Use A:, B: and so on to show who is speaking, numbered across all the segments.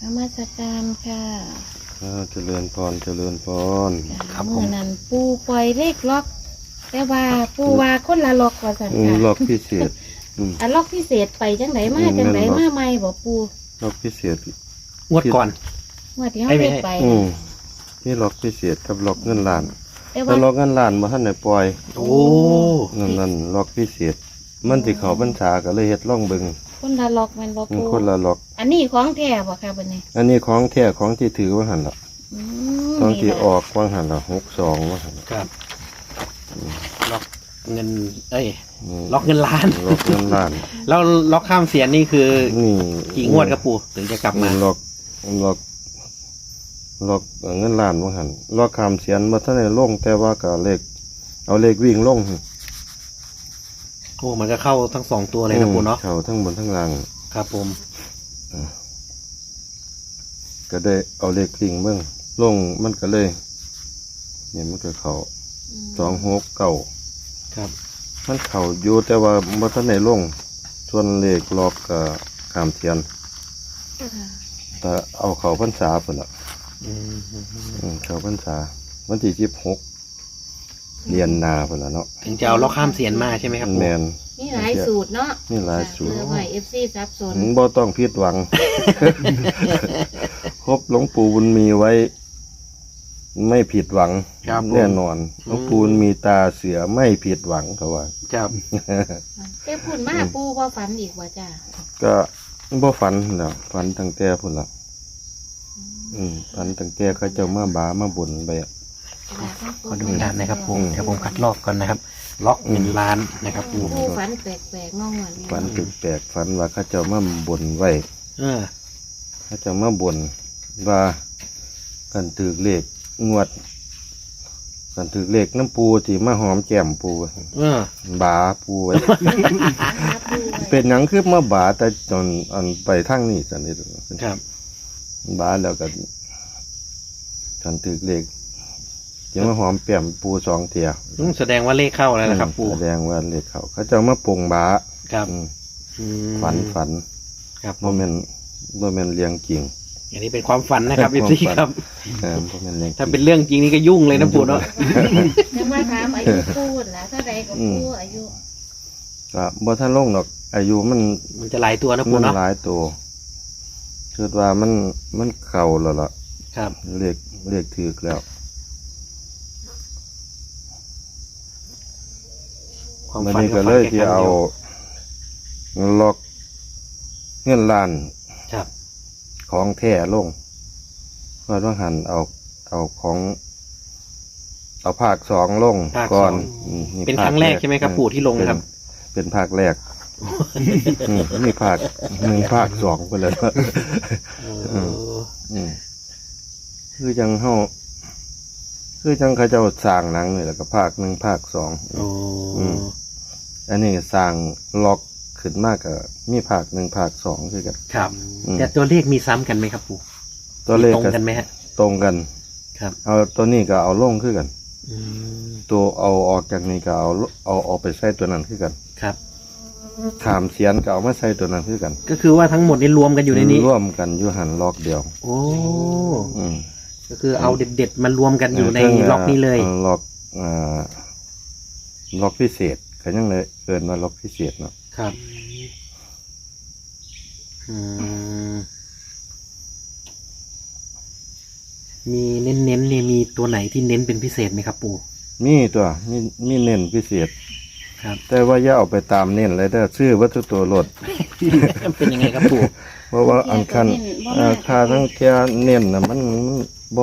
A: มัสการค่ะ
B: เจริญพรเจริญพร
A: ครับเมื่อนั้นปูปล่อยเลขล็อกแต่ว่าปูว่าคนละล็อกว่าสันค่ะ
B: ล็อกพิเศษ
A: อันล็อกพิเศษไปจังไหนมาจังไหนมาใหม่บอกปู
B: ล็อกพิเศษ
C: งวดก่อน
A: งวดที่เขาเลขไป
B: นี่ล็อกพิเศษกับล็อกเงินล้าน
A: แต่
B: ล็อกเงินล้านมาท่านไหนปล่อย
C: โอ้
B: นั่นล็อกพิเศษมันที่เขาบัญชาก็เลยเฮ็ดล่องเบิง
A: คนละล็อกมันบอกปู
B: คนละล็อก
A: อันนี้ของแท้บ่ค่ะบัดนี้
B: อันนี้ของแท้ของที่ถือว่าหันละของที่ออกว่าหันละ62ว่าหัน
C: ครับล็อกเงินล็อกเงินล้าน
B: ล็อกเงินล้าน
C: แล้วล็อกข้ามเสียนนี่คือ
B: นี่
C: กี่งวดครับปู่ถึงจะกลับมา
B: ล็อกเงินล้านว่าหันล็อกข้ามเสียนมาท่านไหนลงแต่ว่าก็เลขเอาเลขวิ่งลง
C: โอ้มันก็เข้าทั้ง2ตัวเลยนะปู่เนาะ
B: เข้าทั้งบนทั้งล่าง
C: ครับผม
B: ก็ได้เอาเลขวิ่งเบิ่งลงมันก็เลยเนี่ยมันก็เข้า269
C: ครับ
B: มันเข้าอยู่แต่ว่าบ่ทันได้ลงส่วนเลขล็อกก็ข้ามเทียนแต่เอาเข้าพรรษาพุ่นล่ะเข้าพรรษาวันที่16เรียนนาพุ่นล่ะเนาะ
C: ถึงจะเอาล็อกข้ามเสียนมาใช่ไหมครับ
B: แม่น
A: นี่หลายสูตรเนาะ
B: นี่หลายสูตร
A: ไว้ FC ซับซ้อน
B: บ่ต้องผิดหวังครบหลวงปู่บุญมีไว้ไม่ผิดหวังแน่นอนหลวงปู่มีตาเสือไม่ผิดหวังเขาว่า
C: ครับ
A: แต่พูดมาปูบ่ฝันอีกว่าจ้า
B: ก็บ่ฝันแล้วฝันตั้งแต่พุ่นละฝันตั้งแต่เขาเจ้ามาบามาบ่นไป
C: ขอดูด้านนะครับผมเดี๋ยวผมคัดลอกก่อนนะครับล็อกเงินล้านนะครับปู
A: ฝันแปลกๆงงๆ
B: ฝันแปลกๆฝันว่าเขาเจ้ามาบ่นไว้เขาเจ้ามาบ่นว่ากันถือเลขงวดกันถือเลขน้ำปูที่มาหอมแก้มปูบาปูไว้เป็นหยังคือมาบาแต่จนอันไปทางนี้สันนิษฐาน
C: ครับ
B: บาแล้วกันกันถือเลขที่มาหอมแก้มปู2เที่ย
C: แสดงว่าเลขเข้าแล้วนะครับปู
B: แสดงว่าเลขเขาเจ้ามาปงบา
C: ครับ
B: ฝัน
C: ครับ
B: โมเมนต์เลี้ยงจริง
C: อันนี้เป็นความฝันนะครับพี่ครับถ้าเป็นเรื่องจริงนี่ก็ยุ่งเลยนะปู่เนาะ
A: จะมาถามอายุปูนะถ้าใดก็ปูอายุ
B: ก็บ่ท่านลงดอกอายุมัน
C: จะหลายตัวนะปู่เนาะ
B: หลายตัวคิดว่ามันเก่าแล้วล่ะ
C: ครับ
B: เรียกถือแล้วมันนี่ก็เลยที่เอาล็อกเงินล้านของแท้ลงเพราะว่าหันเอาของเอาภาค2ลงก่อน
C: เป็นครั้งแรกใช่ไหมครับปู่ที่ลงครับ
B: เป็นภาคแรกนี่ภาค1ภาค2ไปเลยคือจังเขาเจ้าสร้างหนังนี่แหละก็ภาค1ภาค2อันนี้สร้างล็อกขึ้นมากกับมีภาค1ภาค2คือกัน
C: ครับแต่ตัวเลขมีซ้ำกันไหมครับปู่
B: ตัวเลข
C: ตรงกันไหมฮะ
B: ตรงกัน
C: ครับ
B: เอาตัวนี้ก็เอาลงคือกันตัวเอาออกจากนี้ก็เอาออกไปใส่ตัวนั้นคือกัน
C: ครับ
B: ขามเสียนก็เอามาใส่ตัวนั้นคือกัน
C: ก็คือว่าทั้งหมดนี้รวมกันอยู่ในนี้
B: รวมกันอยู่หันล็อกเดียว
C: โอ้ก็คือเอาเด็ดๆมันรวมกันอยู่ในล็อกนี้เลย
B: ล็อกพิเศษเขายังเลยเอิ้นว่าล็อกพิเศษเนาะ
C: ครับมีเน้นเนี่ยมีตัวไหนที่เน้นเป็นพิเศษไหมครับปู่
B: มีตัวมีเน้นพิเศษ
C: ครับ
B: แต่ว่าอย่าเอาไปตามเน้นเลยแต่ชื่อวัตถุตัวรถ
C: เป็นยังไงครับปู่
B: เพราะว่าอันคันค่าทั้งแค่เน้นนะมันบ่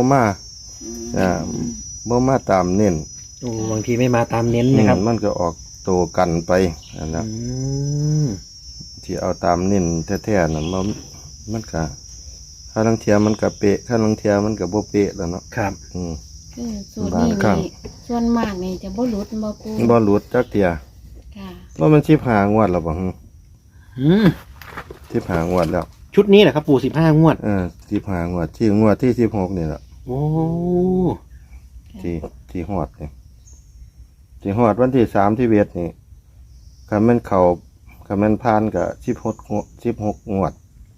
B: มาตามเน้น
C: บางทีไม่มาตามเน้นนะครับ
B: มันก็ออกโตกันไปอันนั้นที่เอาตามเน้นแท้ๆน่ะมันก็ข้าลังเทียมันกับเปะข้าลังเทียมันกับโบเปะแล้วเนาะ
C: ครับ
A: ส่วนนี้ส่วนมากนี่จะบ่หลุด
B: บ่หลุดจักเทียว่ามัน15 งวดแล้วบ่15 งวดแล้ว
C: ชุดนี้แหละครับปู่15 งวด
B: 15 งวดที่งวดที่16นี่แหละ
C: โอ้
B: ที่ฮอดนี่ที่ฮอดวันที่3ที่เวทนี่คันมันเข้าคันมันผ่านก็16 งวด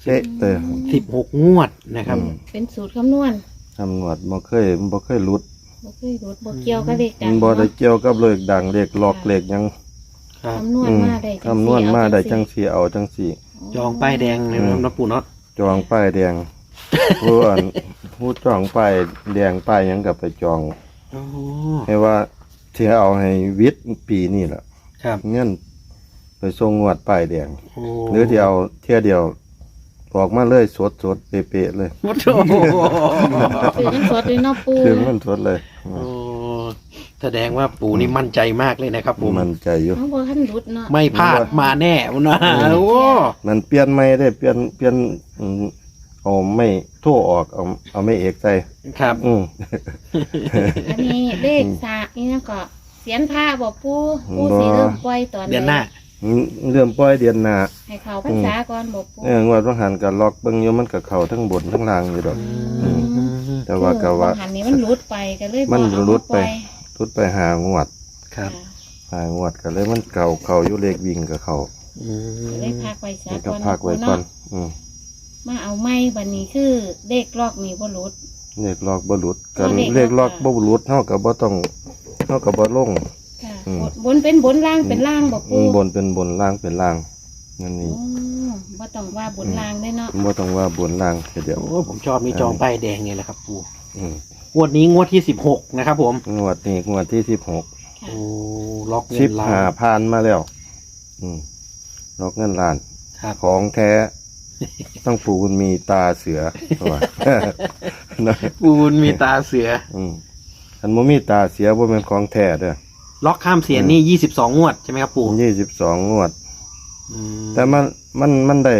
B: เป๊ะเลย
C: 16 งวดนะครับ
A: เป็นสูตรคำนวณ
B: ตำรวจบ่เคยหลุด
A: บ่เคยรู้บ่เกี่ยวกับเลขดั
B: มั
A: ง
B: นบ่ได้
A: เนาะ
B: เกี่ยวกับเลขดังเลขหลอกเลขหยัง
C: ครับ
A: คำนวณมาได้จัง
B: คำนวณมาได้จัง
A: ซี่
B: สีเอาจังสี
C: จองป้ายแดงเลยนะปู่เนาะ
B: จองป้ายแดง ผู้จองป้ายแดงป้ายหยังกับไปจอง
C: โอ้
B: ให้ว่าที่เอาให้วิทย์ปีนี่แหละ
C: ครับ
B: เงินไปส่งงวดป้ายแดง
C: โอ้
B: หรือที่เอาเที่ยเดียวบอกมาเลยสดเป๊ะๆเลย
C: โอ้โห
A: คือยังสดเลยเนาะปู
B: คือมันสดเลย
C: โอ้แสดงว่าปู่นี่มั่นใจมากเลยนะครับผม
B: มันใจอยู่
A: น้องบ่ทันรุดเนาะ
C: ไม่พลาดมาแน่นะโอ้
B: มันเปลี่ยนไม่ได้เปลี่ยนเอาไม่โทั่วออกเอาไม่เอกใส่
C: ครับ
A: อันนี้เลขสากนี่นะก็เสียนผ้าบ่ปูปูสิเริ่มปล่อยตอน
C: เดือนหน้า
B: เรื่องปล่อยเดือนหน้า
A: ให้เขาพรรษาก่อนบ่ปู
B: งวดว่างหันกับล็อกเบิ่งอยู่มันกับเขาทั้งบนทั้งล่างอยู่ดอก แต่ว่าก็ว่า
A: คือหันนี้มันรุดไปก็เลยบ่
B: มัน
A: เอา
B: รุดไป
A: ปล่อย
B: ทุดไปหางวด
C: ครับ
B: หางวดก็เลยมันเขาอยู่เลขวิ่งกับเขา
C: อื
A: ก็
C: ม
A: เลยพักไว้ซะ
B: มันก็
A: ก่อน
B: พักไว้ก่อน
A: เาะมาเอาไม้บัดนี้คือเลขลอกนี่บ่รุด
B: เลขล็อกบ่หลุดกัน
A: เล
B: เล
A: ข
B: ข
A: ล็
B: ล็
A: อ
B: อก กบ่หลุดเฮาก็บ่ต้องเฮาก็บ่ลง
A: ค่ะ
B: อืม
A: บนเป็นบนล่างเป็นล่างบ่ปู
B: บนเป็นบนล่างเป็นล่างนั่นนี่
A: อ๋อบ่ต้องว่าบนล่างได้เนาะ
B: บ่ต้องว่าบนล่างแค่เดียว
C: โอ้ผมชอบนี่จองป้ายแดงเนี่ยแหละครับปู่
B: อืม
C: งวดนี้งวดที่ 16 นะครับผม
B: งวดนี้งวดที่16
A: ค่ะ
C: โอ้ล็อกเงินล้าน
B: 15ผ่านมาแล้ว ล็อกเงินล้าน
C: ครับ
B: ของแท้ ต้องปูนมีตาเสือว่า นะ
C: ปูนมีตาเสือ
B: อันบ่มีตาเสือบ่แม่นของแท้เด้อ
C: ล็อกข้ามเสียนนี่22 งวดใช่ไหมครับปู่
B: 22งวด
C: อืม
B: แต่มันได้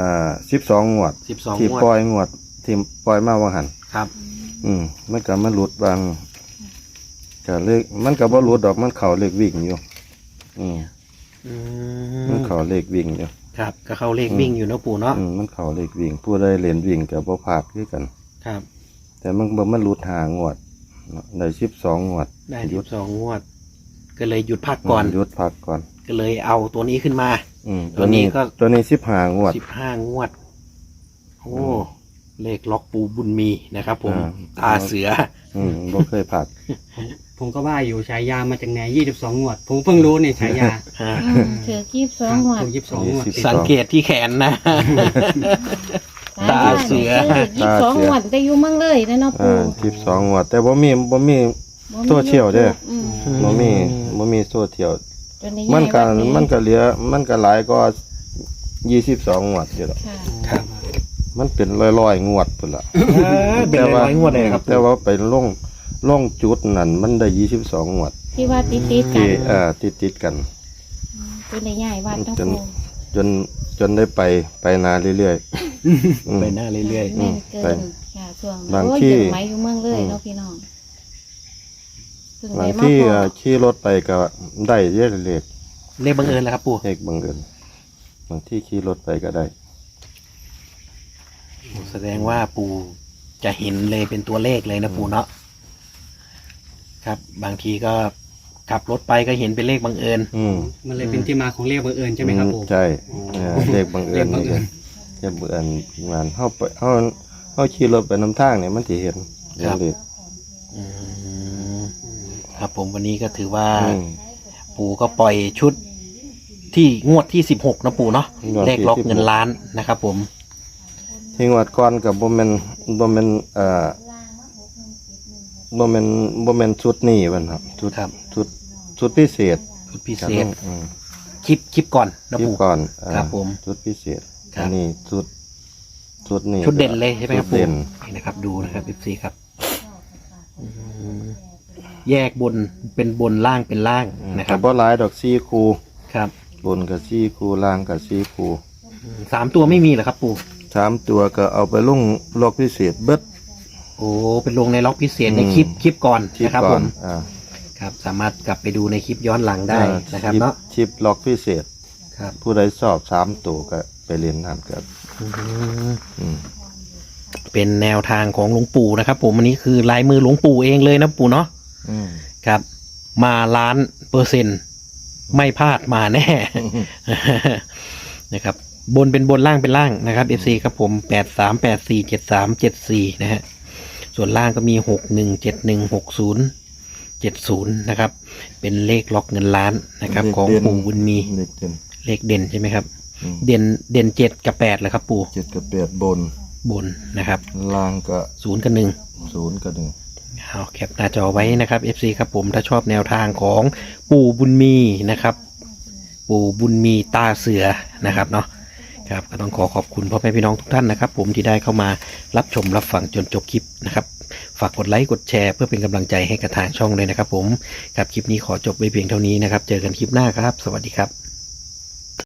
B: 12งวด
C: 12
B: ที่
C: งวด
B: ปล่อยงวดที่ปล่อยมาว่าหัน
C: ครับ
B: มันก็มันหลุดบางก็เลขมันก็บ่หลุดดอกมันเข้าเลขวิ่งอยู่
C: อืม
B: มันเข้าเลขวิ่งอยู่
C: ครับก็เข้าเลขวิ่งอยู่เนอะปู่เนาะ
B: มันเข้าเลขวิ่งผู้ใดเล่นวิ่งก็บ่พลาดคือกัน
C: ครับ
B: แต่มันหลุดหางวดได้12งวด
C: ได้
B: หยุด
C: 12 งวด ก็เลยหยุดพักก่อน
B: หยุดพักก่อน
C: ก็เลยเอาตัวนี้ขึ้นมา
B: ตัวนี้
C: ตัวนี้ก็
B: 15งวด
C: 15 งวด โอ้เลขล็อกปูบุญมีนะครับผม
B: อ่า
C: ตาเสือ
B: บ่เคยพลาด
D: ผมก็ว่าอยู่ฉายามาจากไหน22 งวด ผมเพิ่งรู้เนี่ยฉายา
A: ถือ22หัว
D: ถูก22 งวด
B: 22
C: สังเกตที่แขนนะ ตาเสือ
A: 22หัวแต่อยู่เมืองเลยนะเนาะปู
B: 12งวด แต่บ่มี โซเชียลเด้อ บ่มีโซเชียล
A: จนได้
B: มันก็
A: ย้ายวัดนี้
B: มันก็เหลือมันก็หลายก็22งวดอยู่ดอก
A: ค่ะ
C: ครับ
B: มันเป็นร้อยๆงวดพุ่นล่ะ
C: เป็นร้อยๆงวดเลยครับ
B: แต่ว่าไปลงจุดนั่นมันได้22งวด
A: ที่ว่าติดๆกั
B: ที่
A: น
B: ติดกัน
A: จนได้ย้ายวัดเนาะ
B: จน
A: ปู
B: จนได้ไปนาเรื่อยๆ
C: ไปหน้าเรื่อย
A: แม่นเกิ
B: ไป
A: นค่ะช่วง
B: บาง
A: โอ้ย
B: ที่
A: เกิดไหมอยู่เมืองเลยเนาะพี่น้องเพิ่ง
B: บาง
A: ได้มา
B: ที่
A: พอ
B: ขี่รถไปก็ได้เยอะเลข
C: ๆเลขบังเอิญแล้วครับปู่
B: เลขบังเอิญบางที่ขี่รถไปก็ได้
C: แสดงว่าปู่จะเห็นเลยเป็นตัวเลขเลยนะปู่เนาะครับ บางทีก็ขับรถไปก็เห็นเป็นเลขบังเอิญ
D: มันเลยเป็นที่มาของเรียกบังเอิญใช่ไหมครับผม
B: ใช่เลขบังเอิญ
D: เลขบังเอิญ
B: เลขบังเอิญมันเฮาขี่รถไปนำทางเนี่ยมันสิเห็นเลข
C: อืมครับผมวันนี้ก็ถือว่า
B: อืม
C: ปู่ก็ปล่อยชุดที่งวดที่16นะปู่เนาะ
B: งวดที่
C: เลขล็อกเงินล้านนะครับผม
B: ที่งวดก่อนกับบ่แม่นบ่แม่นบ่แม่นชุดนี้มันครับชุด
C: ครับ
B: ชุดพิเศษ
C: ชุดพิเศษ
B: ครับ
C: คลิปก่อนนะ
B: คลิป
C: ปู่
B: ก่อน
C: ครับผม
B: ชุดพิเศษ
C: ครับ
B: อันนี้ชุดนี้
C: ชุดเด่นเลยใช่ไหมครับ
B: ชุด
C: ปู่
B: เด่น
C: นี่นะครับดูนะครับ14ครับอืมแยกบนเป็นบนล่างเป็นล่างนะค
B: ครั
C: รั
B: บบ บ่หลายดอก4คู่
C: ครับ
B: บนกับ4คู่ล่างกับ4คู่
C: 3 ตัวไม่มีเหรอครับปู่
B: 3ตัวก็เอาไปลงล็อกพิเศษเบิด
C: โอ้เป็นลงในล็อกพิเศษใน
B: อืม
C: คลิปก่อน
B: คลิป
C: นะครับ
B: ก่
C: ผ
B: อน
C: ม
B: อ่า
C: ครับ สามารถกลับไปดูในคลิปย้อนหลังได้นะครับเนาะ
B: คลิปล็อกพิเศษ
C: ครับ
B: ผู้ใดสอบ3ตัวก็ไปเรียนนั่นครับ
C: อืม
B: อืม
C: เป็นแนวทางของหลวงปู่นะครับผมอันนี้คือลายมือหลวงปู่เองเลยนะปู่เนาะ
B: อืม
C: ครับ มา1,000,000%ไม่พลาดมาแน่ นะครับบนเป็นบนล่างเป็นล่างนะครับ FC ครับผม83847374นะฮะส่วนล่างก็มี61716070นะครับเป็นเลขล็อกเงินล้านนะครับของปู่บุญมี
B: เลขเด่น
C: เลขเด่นใช่ไหมครับ
B: อืม
C: เด่น7กับ8เหรอครับปู่
B: 7 กับ 8 บน
C: บนนะครับ
B: ล่างก็
C: 0 กับ 1
B: 0 กับ
C: เอาแคปหน้าจอไว้นะครับ FC ครับผมถ้าชอบแนวทางของปู่บุญมีนะครับ ปู่บุญมีตาเสือนะครับเนาะครับก็ต้องขอบคุณพ่อแม่พี่น้องทุกท่านนะครับ ผมที่ได้เข้ามารับชมรับฟังจนจบคลิปนะครับฝากกดไลค์กดแชร์เพื่อเป็นกำลังใจให้กับทางช่องเลยนะครับ ผมครับคลิปนี้ขอจบไว้เพียงเท่านี้นะครับ เจอกันคลิปหน้าครับ สวัสดีครับ